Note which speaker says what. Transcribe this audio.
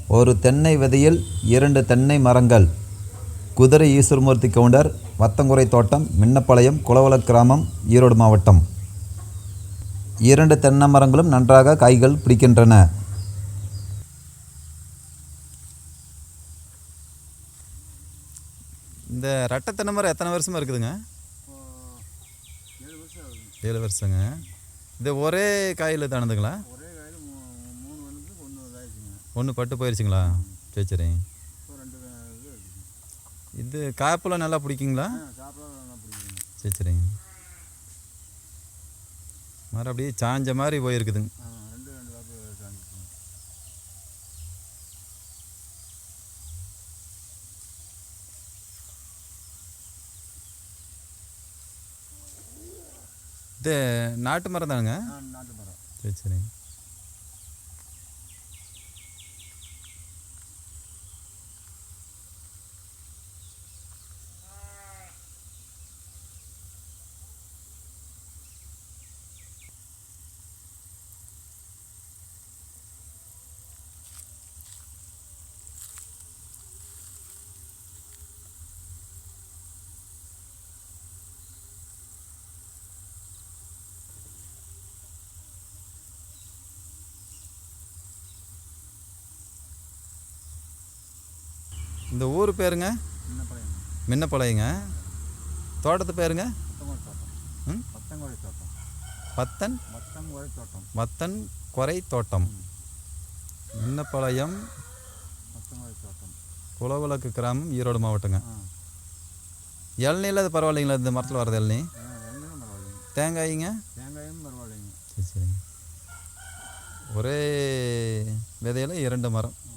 Speaker 1: ஒரு தென்னை விதையில் 2 தென்னை மரங்கள். குதிரை ஈஸ்வரமூர்த்தி கவுண்டர், வத்தங்குறை தோட்டம், மின்னப்பாளையம், குளவள கிராமம், ஈரோடு மாவட்டம். 2 தென்னை மரங்களும் நன்றாக காய்கள் பிடிக்கின்றன. இந்த ரெட்டை தென்னை மரம் எத்தனை வருஷமாக இருக்குதுங்க? 7 வருஷங்க. இது ஒரே காயில் தானதுங்களா? ஒன்று பட்டு போயிடுச்சுங்களா? சரி சரி. இது காப்பெல்லாம் நல்லா பிடிக்குங்களா? சரி சரிங்க. மரம் அப்படியே சாஞ்ச மாதிரி போயிருக்குதுங்க. இது நாட்டு மரம் தானுங்க? சரி சரி. இந்த ஊர் பேருங்க? மின்னப்பாளையங்க. தோட்டத்து பேருங்க? வத்தன் குறை தோட்டம், மின்னப்பாளையம், குளவிளக்கு கிராமம், ஈரோடு மாவட்டங்க. இளநீல அது பரவாயில்லைங்களா? இந்த மரத்தில் வரது இளநீ? தேங்காய்ங்க? சரி சரிங்க. ஒரே விதையில் 2 மரம்.